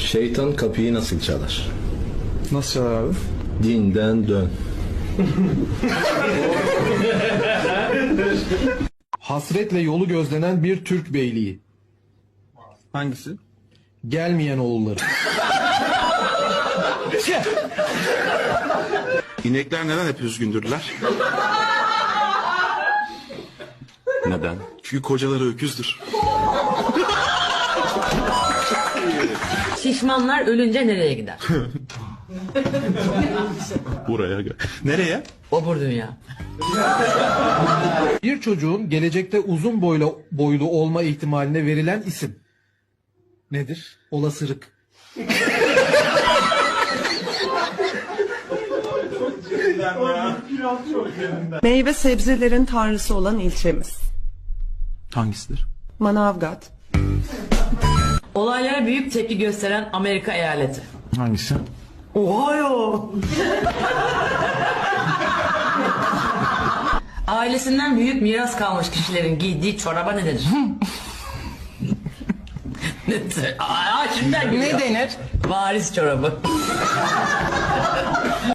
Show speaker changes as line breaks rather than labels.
Şeytan kapıyı nasıl çalar?
Nasıl çalar abi?
Dinden dön.
Hasretle yolu gözlenen bir Türk beyliği.
Hangisi?
Gelmeyen oğulları.
İnekler neden hep üzgündürler?
Neden?
Çünkü kocaları öküzdür.
Şişmanlar ölünce nereye gider?
Buraya gel. Nereye?
Obur dünya.
Bir çocuğun gelecekte uzun boylu olma ihtimaline verilen isim. Nedir? Olasılık.
Meyve sebzelerin tanrısı olan ilçemiz.
Hangisidir?
Manavgat.
Olaylara büyük tepki gösteren Amerika eyaleti.
Hangisi?
Ohio.
Ailesinden büyük miras kalmış kişilerin giydiği çoraba ne denir? Şimdiden gülüyor.
Ne denir?
Varis çorabı.